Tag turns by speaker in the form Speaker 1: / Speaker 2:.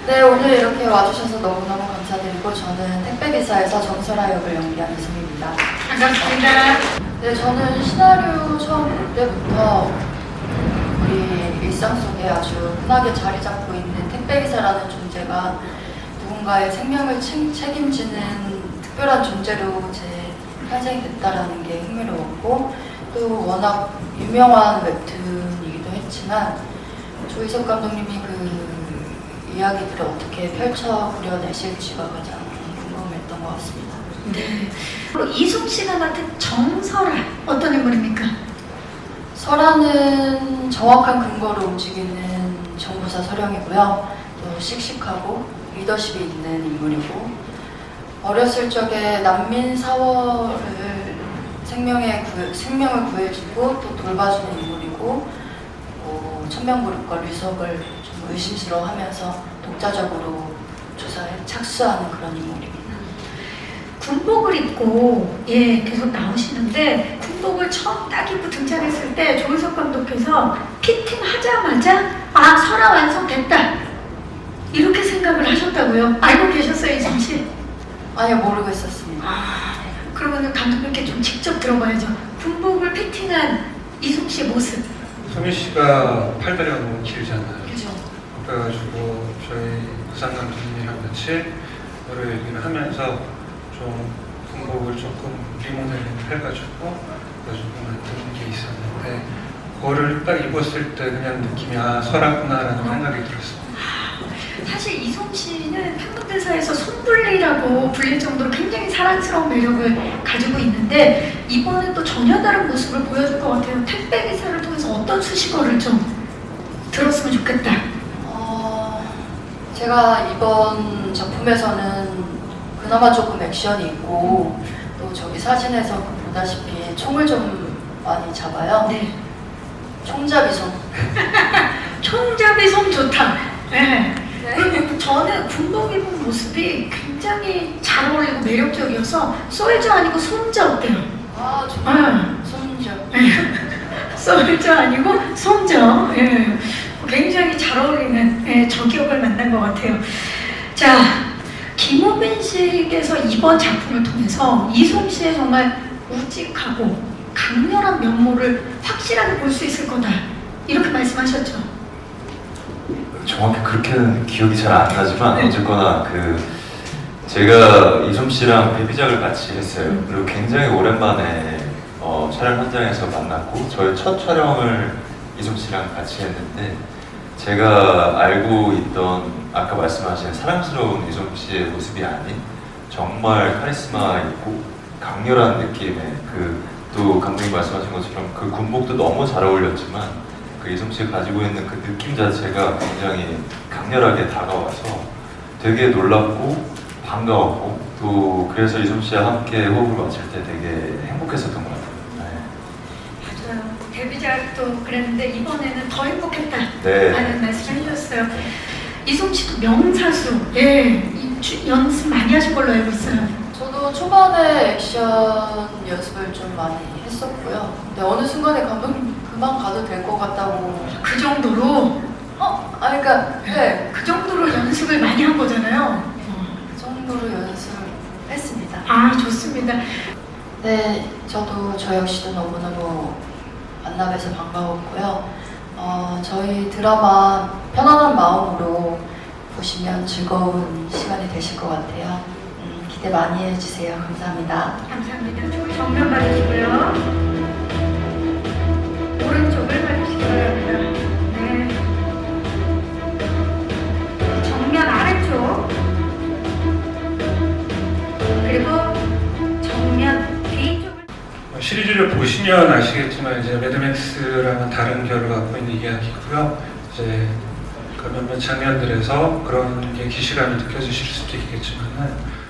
Speaker 1: 네, 오늘 이렇게 와주셔서 너무너무 감사드리고 저는 택배기사에서 정설아 역을 연기한 이승입니다.
Speaker 2: 반갑습니다.
Speaker 1: 네, 저는 시나리오 처음 볼 때부터 우리 일상 속에 아주 흔하게 자리 잡고 있는 택배기사라는 존재가 누군가의 생명을 책임지는 특별한 존재로 제 탄생이 됐다라는 게 흥미로웠고 또 워낙 유명한 웹툰이기도 했지만 조희석 감독님이 그 이야기들을 어떻게 펼쳐 그려내실지가 가장 궁금했던 것 같습니다.
Speaker 2: 네. 그리고 이숙 씨가 맡은 정설아 어떤 인물입니까?
Speaker 1: 설아는 정확한 근거로 움직이는 정보사 서령이고요. 또 씩씩하고 리더십이 있는 인물이고 어렸을 적에 난민 사월을 생명을 구해주고 또 돌봐주는 인물이고 천명그룹과 류석을 좀 의심스러워하면서 독자적으로 조사에 착수하는 그런 인물입니다.
Speaker 2: 군복을 입고 계속 나오시는데 군복을 처음 딱 입고 등장했을 때 조희석 감독께서 피팅하자마자 아 설아 완성됐다 이렇게 생각을 하셨다고요? 알고 계셨어요 이승 씨?
Speaker 1: 아니요, 모르고 있었습니다.
Speaker 2: 그러면 감독님께 좀 직접 들어봐야죠. 군복을 피팅한 이승 씨의 모습.
Speaker 3: 소미 씨가 팔다리가 너무 길잖아요.
Speaker 2: 그죠?
Speaker 3: 그래가지고 저희 부산 감독님이랑 같이 여러 얘기를 하면서 좀 군복을 조금 리모델링 해가지고 만드는 게 있었는데 그거를 딱 입었을 때 그냥 느낌이 아 설았구나라는 생각이 들었어요.
Speaker 2: 사실 이솜 씨는 한국대사에서 손불리라고 불릴 정도로 굉장히 사랑스러운 매력을 가지고 있는데 이번에 또 전혀 다른 모습을 보여줄 것 같아요. 택배기사를 통해서 어떤 수식어를 좀 들었으면 좋겠다.
Speaker 1: 제가 이번 작품에서는 그나마 조금 액션이 있고 또 저기 사진에서 보다시피 총을 좀 많이 잡아요.
Speaker 2: 네.
Speaker 1: 총잡이 손.
Speaker 2: 총잡이 손 좋다. 네.
Speaker 1: 네.
Speaker 2: 그리고 저는 군복 입은 모습이 굉장히 잘 어울리고 매력적이어서 솔저 아니고 손자 어때요?
Speaker 1: 아, 정말 손잡.
Speaker 2: 솔저 아니고 손자. 예. 굉장히 잘 어울리는 저격을 만난 것 같아요. 자, 김호빈 씨께서 이번 작품을 통해서 이솜 씨의 정말 우직하고 강렬한 면모를 확실하게 볼 수 있을 거다. 이렇게 말씀하셨죠.
Speaker 4: 정확히 그렇게는 기억이 잘 안 나지만
Speaker 2: 네.
Speaker 4: 어쨌거나 제가 이솜 씨랑 데뷔작을 같이 했어요. 그리고 굉장히 오랜만에 촬영 현장에서 만났고 저의 첫 촬영을 이솜 씨랑 같이 했는데 제가 알고 있던 아까 말씀하신 사랑스러운 이솜 씨의 모습이 아닌 정말 카리스마 있고 강렬한 느낌의 또 감독님 말씀하신 것처럼 그 군복도 너무 잘 어울렸지만 그 이솜 씨가 가지고 있는 그 느낌 자체가 굉장히 강렬하게 다가와서 되게 놀랍고 반가웠고 또 그래서 이솜 씨와 함께 호흡을 맞출 때 되게 행복했었던 것 같아요.
Speaker 2: 맞아요. 데뷔작도 그랬는데 이번에는 더 행복했다.
Speaker 4: 네.
Speaker 2: 라는 말씀을 해주셨어요. 이솜 씨도 명사수. 연습 많이 하신 걸로 알고 있어요.
Speaker 1: 저도 초반에 액션 연습을 좀 많이 했었고요. 근데 어느 순간에 감독님 그만 가도 될 것 같다고.
Speaker 2: 그 정도로
Speaker 1: 그러니까 네,
Speaker 2: 그 정도로 연습을 많이 한 거잖아요.
Speaker 1: 그 정도로 연습을 했습니다.
Speaker 2: 아 좋습니다.
Speaker 1: 네, 저도 저 역시도 너무너무 만나뵈서 반가웠고요. 저희 드라마 편안한 마음으로 보시면 즐거운 시간이 되실 것 같아요. 기대 많이 해주세요. 감사합니다.
Speaker 2: 감사합니다. 정면 봐주시고요. 오른쪽을 봐주시기 바랍니다. 네. 정면 아래쪽 그리고 정면 뒤쪽을
Speaker 3: 시리즈를 보시면 아시겠지만 이제 매드맥스랑은 다른 결을 갖고 있는 이야기고요. 이제 그 몇몇 장면들에서 그런 게 기시감이 느껴지실 수도 있겠지만은